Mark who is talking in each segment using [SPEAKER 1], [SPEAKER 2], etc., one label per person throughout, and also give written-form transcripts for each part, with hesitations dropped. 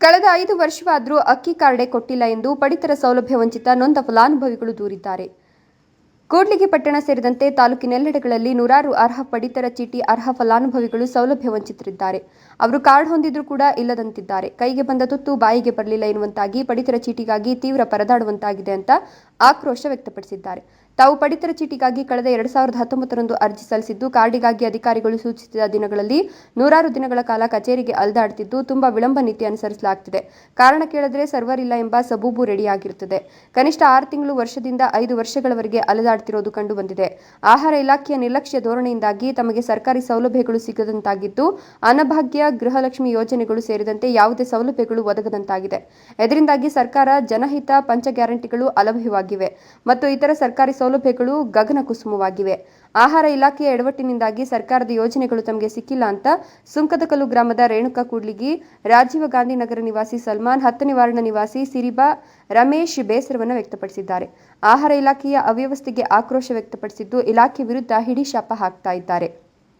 [SPEAKER 1] ಕಳೆದ 5 ವರ್ಷವಾದರೂ ಅಕ್ಕಿ ಕಾರ್ಡೆ ಕೊಟ್ಟಿಲ್ಲ ಎಂದು ಪಡಿತರ ಸೌಲಭ್ಯ ವಂಚಿತ ನೊಂದ ಫಲಾನುಭವಿಗಳು ದೂರಿದ್ದಾರೆ. ಕೂಡ್ಲಿಗಿ ಪಟ್ಟಣ ಸೇರಿದಂತೆ ತಾಲೂಕಿನೆಲ್ಲೆಡೆಗಳಲ್ಲಿ ನೂರಾರು ಅರ್ಹ ಪಡಿತರ ಚೀಟಿ ಅರ್ಹ ಫಲಾನುಭವಿಗಳು ಸೌಲಭ್ಯ ವಂಚಿತರಿದ್ದಾರೆ. ಅವರು ಕಾರ್ಡ್ ಹೊಂದಿದ್ರೂ ಕೂಡ ಇಲ್ಲದಂತಿದ್ದಾರೆ. ಕೈಗೆ ಬಂದ ತುತ್ತು ಬಾಯಿಗೆ ಬರಲಿಲ್ಲ ಎನ್ನುವಂತಾಗಿ ಪಡಿತರ ಚೀಟಿಗಾಗಿ ತೀವ್ರ ಪರದಾಡುವಂತಾಗಿದೆ ಅಂತ ಆಕ್ರೋಶ ವ್ಯಕ್ತಪಡಿಸಿದ್ದಾರೆ. ತಾವು ಪಡಿತರ ಚೀಟಿಗಾಗಿ ಕಳೆದ 2019ರಂದು ಅರ್ಜಿ ಸಲ್ಲಿಸಿದ್ದು, ಕಾರ್ಡಿಗಾಗಿ ಅಧಿಕಾರಿಗಳು ಸೂಚಿಸಿದ ದಿನಗಳಲ್ಲಿ ನೂರಾರು ದಿನಗಳ ಕಾಲ ಕಚೇರಿಗೆ ಅಲೆದಾಡುತ್ತಿದ್ದು ತುಂಬಾ ವಿಳಂಬ ನೀತಿ ಅನುಸರಿಸಲಾಗುತ್ತಿದೆ. ಕಾರಣ ಕೇಳಿದ್ರೆ ಸರ್ವರ್ ಇಲ್ಲ ಎಂಬ ಸಬೂಬು ರೆಡಿಯಾಗಿರುತ್ತದೆ. ಕನಿಷ್ಠ 6 ತಿಂಗಳು ವರ್ಷದಿಂದ 5 ವರ್ಷಗಳವರೆಗೆ ಅಲೆದಾಡುತ್ತಿರುವುದು ಕಂಡು ಬಂದಿದೆ. ಆಹಾರ ಇಲಾಖೆಯ ನಿರ್ಲಕ್ಷ್ಯ ಧೋರಣೆಯಿಂದಾಗಿ ತಮಗೆ ಸರ್ಕಾರಿ ಸೌಲಭ್ಯಗಳು ಸಿಗದಂತಾಗಿದ್ದು, ಅನ್ನಭಾಗ್ಯ, ಗೃಹಲಕ್ಷ್ಮಿ ಯೋಜನೆಗಳು ಸೇರಿದಂತೆ ಯಾವುದೇ ಸೌಲಭ್ಯಗಳು ಒದಗದಂತಾಗಿದೆ. ಇದರಿಂದಾಗಿ ಸರ್ಕಾರ ಜನಹಿತ ಪಂಚ ಗ್ಯಾರಂಟಿಗಳು ಅಲಭ್ಯವಾಗಿವೆ ಮತ್ತು ಇತರ ಸರ್ಕಾರಿ ಸೌಲಭ್ಯಗಳು ಗಗನ ಕುಸುಮವಾಗಿವೆ. ಆಹಾರ ಇಲಾಖೆಯ ಎಡವಟ್ಟಿನಿಂದಾಗಿ ಸರ್ಕಾರದ ಯೋಜನೆಗಳು ತಮಗೆ ಸಿಕ್ಕಿಲ್ಲ ಅಂತ ಸುಂಕದಕಲ್ಲು ಗ್ರಾಮದ ರೇಣುಕಾ ಕೂಡ್ಲಿಗಿ, ರಾಜೀವ ಗಾಂಧಿ ನಗರ ನಿವಾಸಿ ಸಲ್ಮಾನ್, 10ನೇ ವಾರ್ಡ್ನ ನಿವಾಸಿ ಸಿರಿಬಾ ರಮೇಶ್ ಬೇಸರವನ್ನು ವ್ಯಕ್ತಪಡಿಸಿದ್ದಾರೆ. ಆಹಾರ ಇಲಾಖೆಯ ಅವ್ಯವಸ್ಥೆಗೆ ಆಕ್ರೋಶ ವ್ಯಕ್ತಪಡಿಸಿದ್ದು, ಇಲಾಖೆ ವಿರುದ್ಧ ಹಿಡಿಶಾಪ ಹಾಕ್ತಾ ಇದ್ದಾರೆ.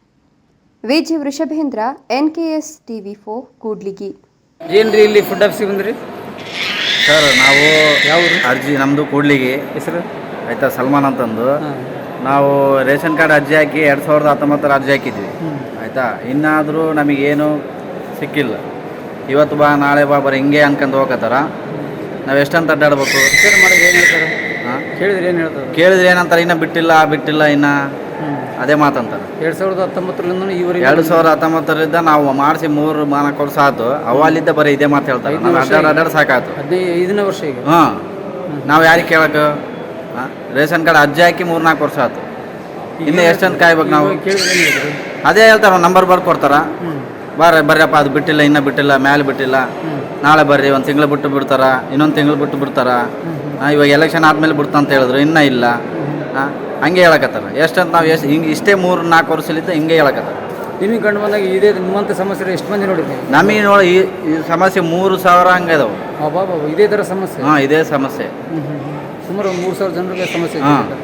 [SPEAKER 1] Viji Vrishabhendra, NKS TV4 Kudligi.
[SPEAKER 2] ಏನ್ರಿ ಇಲ್ಲಿ ಫುಡ್ ಆಫೀಸಿಗೆ ಬಂದ್ರಿ
[SPEAKER 3] ಸರ್? ನಾವು
[SPEAKER 2] ಯಾವ
[SPEAKER 3] ಅರ್ಜಿ ನಮ್ಮದು ಕೂಡ್ಲಿಗಿ
[SPEAKER 2] ಹೆಸರು
[SPEAKER 3] ಆಯಿತಾ, ಸಲ್ಮಾನ್ ಅಂತಂದು. ನಾವು ರೇಷನ್ ಕಾರ್ಡ್ ಅರ್ಜಿ ಹಾಕಿ 2019 ಅರ್ಜಿ ಹಾಕಿದ್ವಿ ಆಯಿತಾ. ಇನ್ನಾದರೂ ನಮಗೇನು ಸಿಕ್ಕಿಲ್ಲ. ಇವತ್ತು ಬಾ ನಾಳೆ ಬಾ ಬರೀ ಹಿಂಗೆ ಅನ್ಕೊಂಡು ಹೋಗತ್ತಾರ. ನಾವು ಎಷ್ಟಂತ ಅಡ್ಡಾಡ್ಬೇಕು?
[SPEAKER 2] ಮಾಡಿ ಏನು ಹೇಳ್ತಾರೆ? ಕೇಳಿದ್ರೆ ಏನು ಹೇಳ್ತಾರೆ?
[SPEAKER 3] ಕೇಳಿದ್ರೆ ಏನಂತಾರೆ, ಇನ್ನೂ ಬಿಟ್ಟಿಲ್ಲ ಇನ್ನು ಅದೇ ಮಾತಂತಾರೆ.
[SPEAKER 2] 2019ರಿಂದ ಇವರಿಗೆ
[SPEAKER 3] 2019ರಿಂದ ನಾವು ಮಾಡಿಸಿ 3-4 ವರ್ಷ ಆಯ್ತು. ಅವಲ್ಲಿದ್ದ ಬರೀ ಇದೇ ಮಾತು ಹೇಳ್ತಾರೆ. ನಾವು ಅಡ್ಡಾಡ್ ಸಾಕಾಯ್ತು.
[SPEAKER 2] 15ನೇ ವರ್ಷ ಈಗ.
[SPEAKER 3] ನಾವು ಯಾರಿಗೆ ಕೇಳಕ್ಕೆ? ರೇಷನ್ ಕಾರ್ಡ್ ಅರ್ಜಿ ಹಾಕಿ 3-4 ವರ್ಷ ಆಯ್ತು. ಇನ್ನೂ ಎಷ್ಟಂತ ಕಾಯ್ಬೇಕು ನಾವು? ಅದೇ ಹೇಳ್ತಾರೆ, ನಂಬರ್ ಬರ್ಕೊಡ್ತಾರ. ಬರ್ರಪ್ಪ ಅದು ಬಿಟ್ಟಿಲ್ಲ, ಇನ್ನೂ ಬಿಟ್ಟಿಲ್ಲ, ಮೇಲೆ ಬಿಟ್ಟಿಲ್ಲ, ನಾಳೆ ಬರ್ರಿ, 1 ತಿಂಗಳು ಬಿಟ್ಟು ಬಿಡ್ತಾರ, ಇನ್ನೊಂದು ತಿಂಗಳು ಬಿಟ್ಟು ಬಿಡ್ತಾರ. ಇವಾಗ ಎಲೆಕ್ಷನ್ ಆದಮೇಲೆ ಬಿಡ್ತಂತ ಹೇಳಿದ್ರು, ಇನ್ನೂ ಇಲ್ಲ. ಹಂಗೆ ಹೇಳಕತ್ತಾರ. ಎಷ್ಟಂತ ನಾವು ಹಿಂಗೆ ಇಷ್ಟೇ 3-4 ವರ್ಷಲಿದ್ದ ಹಿಂಗೆ ಹೇಳಕತ್ತಾರ.
[SPEAKER 2] ನಿಮಗೆ ಕಂಡು ಬಂದಾಗ ಇದೇ ನಿಮ್ಮಂಥ ಸಮಸ್ಯೆ ಎಷ್ಟು ಮಂದಿ ನೋಡಿದ್ರಿ?
[SPEAKER 3] ನಮಗೆ ನೋಡಿ ಈ ಸಮಸ್ಯೆ 3,000 ಹಂಗೆ ಇದಾವೆ.
[SPEAKER 2] ಇದೇ ಥರ ಸಮಸ್ಯೆ?
[SPEAKER 3] ಇದೇ ಸಮಸ್ಯೆ.
[SPEAKER 2] ಸುಮಾರು 3,000 ಜನರಿಗೆ ಸಮಸ್ಯೆ.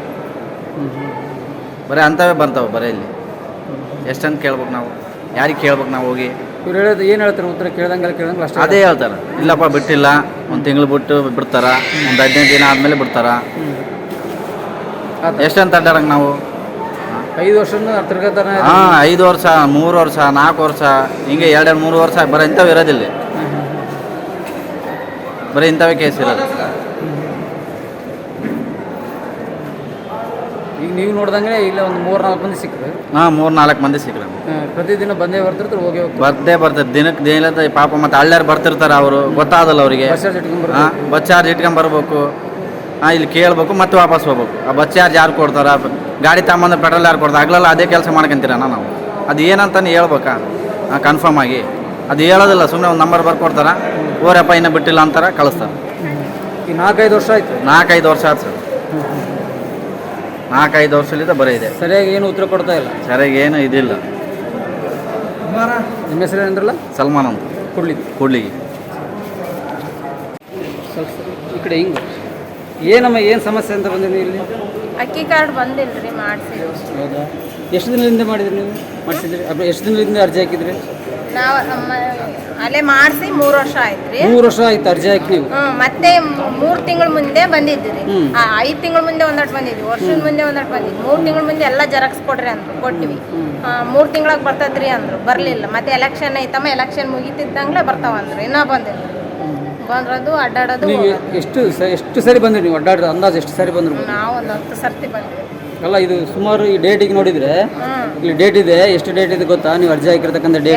[SPEAKER 3] ಬರೀ ಅಂಥವೇ ಬರ್ತಾವೆ ಬರೀ ಇಲ್ಲಿ. ಎಷ್ಟಂತ ಕೇಳ್ಬೇಕು ನಾವು? ಯಾರಿಗೆ ಕೇಳ್ಬೇಕು ನಾವು ಹೋಗಿ?
[SPEAKER 2] ಇವ್ರು ಹೇಳೋದು ಏನು ಹೇಳ್ತಾರೆ? ಉತ್ತರ ಕೇಳ್ದಂಗೆ ಅಷ್ಟೇ
[SPEAKER 3] ಅದೇ ಹೇಳ್ತಾರೆ. ಇಲ್ಲಪ್ಪ ಬಿಟ್ಟಿಲ್ಲ, 1 ತಿಂಗಳು ಬಿಟ್ಟು ಬಿಡ್ತಾರ, ಒಂದು 15 ದಿನ ಆದಮೇಲೆ ಬಿಡ್ತಾರ. ಎಷ್ಟಂತ ಅಡ್ಡಾಡಂಗೆ ನಾವು?
[SPEAKER 2] 5 ವರ್ಷದಿಂದ ತಿರ್ಗತಾರ.
[SPEAKER 3] 5 ವರ್ಷ, 3 ವರ್ಷ, 4 ವರ್ಷ, ಹಿಂಗೆ 2-3 ವರ್ಷ ಬರೀ ಇಂಥವು ಇರೋದಿಲ್ಲ. ಬರೀ ಇಂಥವೇ ಕೇಸ್ ಇರೋದು.
[SPEAKER 2] ಈಗ ನೀವು ನೋಡ್ದಂಗೆ ಇಲ್ಲ ಒಂದು 3-4 ಮಂದಿ ಸಿಕ್ಕರು.
[SPEAKER 3] 3-4 ಮಂದಿ ಸಿಕ್ಕರು.
[SPEAKER 2] ಪ್ರತಿದಿನ ಬಂದೇ ಬರ್ತಿರ್ತಾರೆ, ಹೋಗಿ
[SPEAKER 3] ಬರ್ತದೆ ದಿನಕ್ಕೆ ದಿನ ಪಾಪ. ಮತ್ತು ಹಳ್ಳ್ಯಾರು ಬರ್ತಿರ್ತಾರೆ, ಅವರು ಗೊತ್ತಾಗಲ್ಲ ಅವರಿಗೆ. ಬಸ್ ಚಾರ್ಜ್ ಇಟ್ಕೊಂಬರ್ಬೇಕು. ಇಲ್ಲಿ ಕೇಳ್ಬೇಕು, ಮತ್ತೆ ವಾಪಸ್ ಹೋಗ್ಬೇಕು. ಆ ಬಸ್ ಚಾರ್ಜ್ ಯಾರು ಕೊಡ್ತಾರ? ಗಾಡಿ ತಗೊಂಬಂದು ಪೆಟ್ರೋಲ್ ಯಾರು ಕೊಡ್ತಾರೆ? ಆಗ್ಲಲ್ಲ ಅದೇ ಕೆಲಸ ಮಾಡ್ಕೊಂತೀರಣ್ಣ ನಾವು. ಅದು ಏನಂತಾನೆ ಹೇಳ್ಬೇಕಾ ಕನ್ಫರ್ಮ್ ಆಗಿ? ಅದು ಹೇಳೋದಿಲ್ಲ, ಸುಮ್ಮನೆ ಒಂದು ನಂಬರ್ ಬರ್ಕೊಡ್ತಾರ, ಓರಪ್ಪ ಇನ್ನೂ ಬಿಟ್ಟಿಲ್ಲ ಅಂತಾರೆ, ಕಳಿಸ್ತಾರೆ.
[SPEAKER 2] ಈಗ 4-5 ವರ್ಷ ಆಯ್ತು.
[SPEAKER 3] 4-5 ವರ್ಷ ಆಯ್ತು ಸರ್. 4-5 ವರ್ಷಲಿಂದ ಬರೀ ಇದೆ.
[SPEAKER 2] ಸರಿಯಾಗಿ ಏನು ಉತ್ತರ ಕೊಡ್ತಾ ಇಲ್ಲ.
[SPEAKER 3] ಸರಿಯಾಗಿ ಏನು ಇದಿಲ್ಲ.
[SPEAKER 2] ನಿಮ್ಮ ಹೆಸರು ಏನಂದ್ರಲ್ಲ?
[SPEAKER 3] ಸಲ್ಮಾನ್ ಅಂತ ಕೂಡ್ಲಿಗಿ.
[SPEAKER 2] ಈ ಕಡೆ ಹಿಂಗೆ ಏನಮ್ಮ ಏನು ಸಮಸ್ಯೆ ಅಂತ ಬಂದಿರಿ ಇಲ್ಲಿ?
[SPEAKER 4] ಅಕ್ಕಿ ಕಾರ್ಡ್ ಬಂದಿಲ್ಲ ರೀ, ಮಾಡಿಸಿದ್ವಿ.
[SPEAKER 2] ಹೌದಾ? ಎಷ್ಟು ದಿನದಿಂದ ಮಾಡಿದ್ರಿ ನೀವು? ಮಾಡಿಸಿದ್ರಿ? ಎಷ್ಟು ದಿನದಿಂದ ಅರ್ಜಿ ಹಾಕಿದ್ರಿ?
[SPEAKER 4] ನಾವು ಅಲ್ಲೇ ಮಾಡಿಸಿ 3 ವರ್ಷ ಆಯ್ತು ರೀ.
[SPEAKER 2] 3 ವರ್ಷ ಆಯ್ತು ಅರ್ಜಿ ಹಾಕಿ ನೀವು?
[SPEAKER 4] ಮತ್ತೆ 3 ತಿಂಗಳ ಮುಂದೆ ಬಂದಿದ್ವಿ ರೀ. 5 ತಿಂಗಳ ಮುಂದೆ ಒಂದಷ್ಟು ಬಂದಿದ್ವಿ, ವರ್ಷದ ಮುಂದೆ ಒಂದಷ್ಟು ಬಂದಿದ್ವಿ. 3 ತಿಂಗಳ ಮುಂದೆ ಎಲ್ಲ ಜೆರಾಕ್ಸ್ ಕೊಡ್ರಿ ಅಂದ್ರು, ಕೊಟ್ಟಿವಿ. 3 ತಿಂಗಳಾಗ ಬರ್ತದ್ರಿ ಅಂದ್ರು, ಬರಲಿಲ್ಲ. ಮತ್ತೆ ಎಲೆಕ್ಷನ್ ಐತಮ್ಮ, ಎಲೆಕ್ಷನ್ ಮುಗಿತಿದ್ದಂಗ್ಲೇ ಬರ್ತಾವ ಅಂದ್ರು, ಇನ್ನೂ ಬಂದಿಲ್ಲ. ಬಂದ್ರದು ಅಡ್ಡಾಡೋದು.
[SPEAKER 2] ಎಷ್ಟು ಸರಿ ಬಂದ್ರಿ ನೀವು ಅಡ್ಡಾಡ್ರಿ? ಅಂದಾಜು ಎಷ್ಟು ಸರಿ ಬಂದ್ರು?
[SPEAKER 4] ನಾವು ಒಂದು 10 ಸರ್ತಿ ಬಂದ್ವಿ.
[SPEAKER 2] ಅಲ್ಲ, ಇದು ಸುಮಾರು ಈ ಡೇಟಿಗೆ ನೋಡಿದ್ರೆ ಇಲ್ಲಿ ಡೇಟ್ ಇದೆ. ಎಷ್ಟು ಡೇಟ್ ಇದೆ ಗೊತ್ತಾ? ನೀವು ಅರ್ಜಿ ಹಾಕಿರ್ತಕ್ಕಂಥ ಡೇಟ್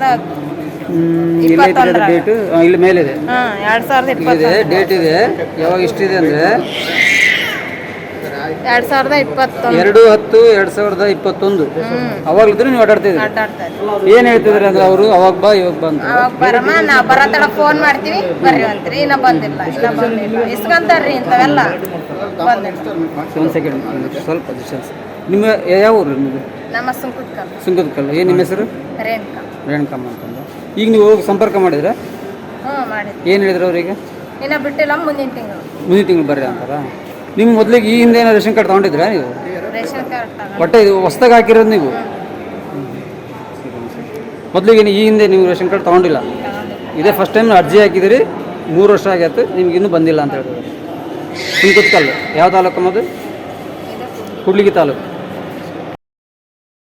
[SPEAKER 2] ಡೇಟು ಇಲ್ಲಿ ಮೇಲಿದೆ. 2020 ಡೇಟ್ ಇದೆ. ಯಾವಾಗ ಇಷ್ಟಿದೆ ಅಂದರೆ
[SPEAKER 4] 2/10/2021.
[SPEAKER 2] ಅವಾಗ್ಲಿದ್ರೆ ನೀವು ಅಡ್ಡಾಡ್ತಿದ್ರಿ. ಏನ್ ಹೇಳ್ತಿದ್ರಿ ಅಂದ್ರೆ ಅವರು ಅವಾಗ ಬಾ ಇವಾಗ ಬಂದು
[SPEAKER 4] ಬರಮ್ಮ, ನಾವು ಬರತ್ತಡ ಫೋನ್ ಮಾಡ್ತೀವಿ, ಬರ್ರಿ ಅಂತೀರಿ. ಇನ್ನೂ ಬಂದಿಲ್ಲ, ಇಸ್ಕೊಂತಾರ್ರಿ ಇಂಥವೆಲ್ಲ ಬಂದಿಲ್ಲ.
[SPEAKER 2] ಒಂದು ಸೆಕೆಂಡ್, ಸ್ವಲ್ಪ ಡಿಸ್ಟೆನ್ಸ್. ನಿಮ್ಮ ಯಾವ ಊರು ನಿಮ್ಮದು?
[SPEAKER 4] ನಮ್ಮ
[SPEAKER 2] ಸುಂಕದಕಲ್ಲು. ಏನು ನಿಮ್ಮ ಹೆಸರು? ರೇಣುಕಮ್ಮ ಅಂತಂದು. ಈಗ ನೀವು ಹೋಗಿ ಸಂಪರ್ಕ ಮಾಡಿದ್ರೆ
[SPEAKER 4] ಮಾಡಿದ್ವಿ.
[SPEAKER 2] ಏನು ಹೇಳಿದ್ರು ಅವ್ರಿಗೆ?
[SPEAKER 4] ಇನ್ನೂ ಬಿಟ್ಟಿಲ್ಲ, ಮುಂದಿನ ತಿಂಗಳು
[SPEAKER 2] ಬರ್ರಿ ಅಂತಾರ. ನಿಮ್ಮ ಮೊದಲಿಗೆ ಈ ಹಿಂದೆ ಏನೋ ರೇಷನ್ ಕಾರ್ಡ್ ತೊಗೊಂಡಿದ್ರಾ ನೀವು?
[SPEAKER 4] ರೇಷನ್ ಕಾರ್ಡ್
[SPEAKER 2] ಒಟ್ಟೆ ಇದು ಹೊಸ್ದಾಗಿ ಹಾಕಿರೋದು ನೀವು? ಮೊದಲಿಗೆ ಈ ಹಿಂದೆ ನೀವು ರೇಷನ್ ಕಾರ್ಡ್ ತೊಗೊಂಡಿಲ್ಲ? ಇದೇ ಫಸ್ಟ್ ಟೈಮ್ ಅರ್ಜಿ ಹಾಕಿದಿರಿ, 3 ವರ್ಷ ಆಗೈತೆ, ನಿಮ್ಗೆ ಇನ್ನೂ ಬಂದಿಲ್ಲ ಅಂತ ಹೇಳ್ತಾರೆ. ಸುಂಕುತ್ಕಲ್ ಯಾವ ತಾಲೂಕು ಅದು? ಕೂಡ್ಲಿಗಿ ತಾಲೂಕು.